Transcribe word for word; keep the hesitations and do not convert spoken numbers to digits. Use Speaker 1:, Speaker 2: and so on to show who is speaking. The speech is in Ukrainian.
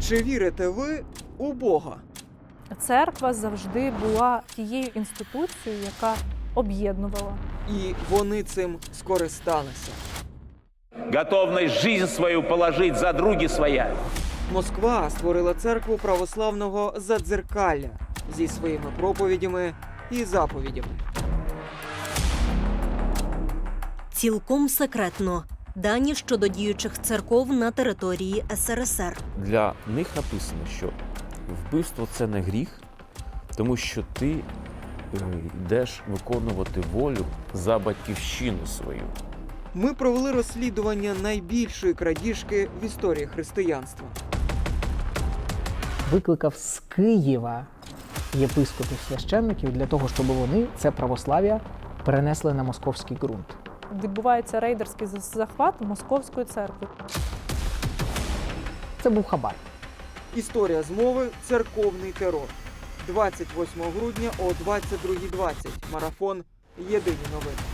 Speaker 1: Чи вірите ви у Бога?
Speaker 2: Церква завжди була тією інституцією, яка об'єднувала.
Speaker 1: І вони цим скористалися.
Speaker 3: Готовность жизнь свою положить за други своя.
Speaker 1: Москва створила церкву православного Задзеркалля зі своїми проповідями і заповідями.
Speaker 4: Цілком секретно. Дані щодо діючих церков на території ес ер ес ер.
Speaker 5: Для них написано, що вбивство – це не гріх, тому що ти е, йдеш виконувати волю за батьківщину свою.
Speaker 1: Ми провели розслідування найбільшої крадіжки в історії християнства.
Speaker 6: Викликав з Києва єпископів священників для того, щоб вони це православ'я перенесли на московський ґрунт.
Speaker 2: Відбувається рейдерський захват Московської церкви.
Speaker 6: Це був хабар.
Speaker 1: Історія змови «Церковний терор». двадцять восьмого грудня о двадцять другій двадцять. Марафон «Єдині новини».